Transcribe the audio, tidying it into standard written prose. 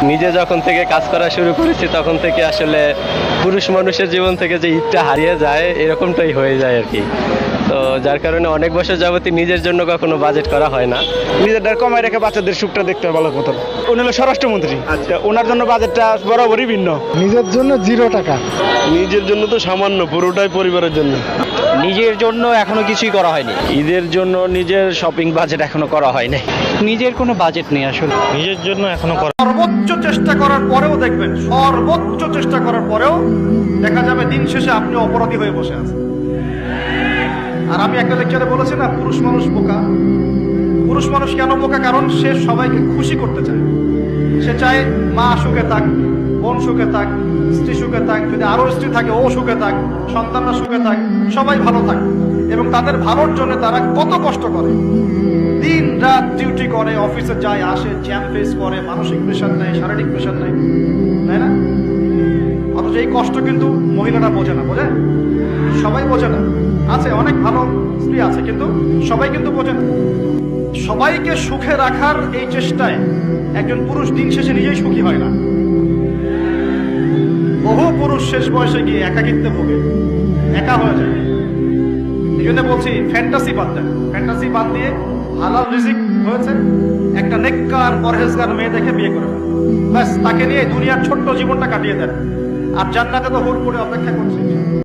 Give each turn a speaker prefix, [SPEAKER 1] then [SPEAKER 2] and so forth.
[SPEAKER 1] নিজে যখন থেকে কাজ করা শুরু করেছি তখন থেকে আসলে পুরুষ মানুষের জীবন থেকে যে ঈদটা হারিয়ে যায় এরকমটাই হয়ে যায় আর কি। তো যার কারণে অনেক বছর যাবতই নিজের জন্য কখনো বাজেট করা হয় না।
[SPEAKER 2] নিজেরটা কমায় রেখে বাচ্চাদের সুখটা দেখতে হয় ভালো মতো। উনি হলো স্বরাষ্ট্রমন্ত্রী, ওনার জন্য বাজেটটা বরাবরই ভিন্ন।
[SPEAKER 3] নিজের জন্য 0 টাকা।
[SPEAKER 4] নিজের জন্য তো সামান্য, পুরোটাই পরিবারের জন্য।
[SPEAKER 2] নিজের জন্য এখনো কিছুই করা হয়নি।
[SPEAKER 1] ঈদের জন্য নিজের শপিং বাজেট এখনো করা হয়নি।
[SPEAKER 2] নিজের কোনো বাজেট নেই আসলে।
[SPEAKER 1] নিজের জন্য এখনো করা।
[SPEAKER 5] সর্বোচ্চ চেষ্টা করার পরেও দেখবেন, সর্বোচ্চ চেষ্টা করার পরেও দেখা যাবে দিন শেষে আপনি অপরাধী হয়ে বসে আছেন। আর আমি একটা লেকচারে বলেছি না, পুরুষ মানুষ বোকা। পুরুষ মানুষ কেন বোকা? কারণ সে সবাইকে খুশি করতে চায়। সে চায় মা সুখে থাক, বোন সুখে থাক, স্ত্রী সুখে থাক, যদি আরো স্ত্রী থাকে ও সুখে থাক, সন্তানরা সুখে থাক, সবাই ভালো থাক। এবং তাদের ভালোর জন্য তারা কত কষ্ট করে, দিন রাত ডিউটি করে, অফিসে যায় আসে, জ্যাম ফেস করে, মানসিক প্রেশার নেয়, শারীরিক প্রেশার নেয়, তাই না? অথচ এই কষ্ট কিন্তু মহিলারা বোঝে না। বোঝে? সবাই বোঝে না। আছে অনেক ভালো স্ত্রী আছে, কিন্তু সবাই কিন্তু বোঝে না। সবাইকে সুখে রাখার এই চেষ্টায় একজন পুরুষ দিন শেষে নিজেই সুখী হয় না। বহু পুরুষ শেষ বয়সে গিয়ে একাকিত্বে ভোগে, একা হয়ে যায়। এই জন্য বলছি, ফ্যান্টাসি বাদ দেন। ফ্যান্টাসি বাদ দিয়ে হালাল রিজিক হয়েছে, একটা নেককার পরহেজগার মেয়ে দেখে বিয়ে করে ফেলেন। ব্যাস, তাকে নিয়ে দুনিয়ার ছোট্ট জীবনটা কাটিয়ে দেন। আর জান্নাতে তো হুর করে অপেক্ষা করছে।